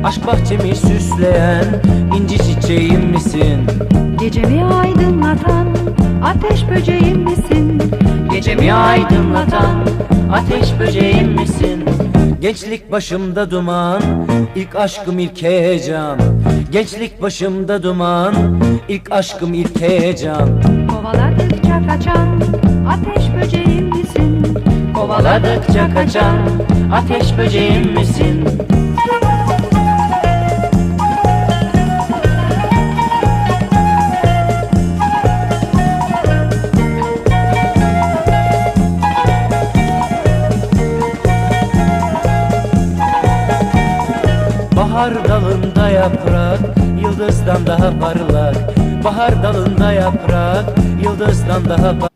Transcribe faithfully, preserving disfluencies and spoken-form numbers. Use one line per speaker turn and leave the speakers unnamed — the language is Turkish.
Aşk bahçemi süsleyen inci çiçeğim misin?
Gecemi aydınlatan ateş böceğim misin?
Gecemi aydınlatan ateş böceğim misin? Gençlik başımda duman, ilk aşkım ilk heyecan. Gençlik başımda duman, ilk aşkım ilk heyecan.
Kovaladıkça kaçan ateş böceğim misin?
Kovaladıkça kaçan ateş böceğim misin? Bahar dalında yaprak, yıldızdan daha parlak. Bahar dalında yaprak, yıldızdan daha parlak.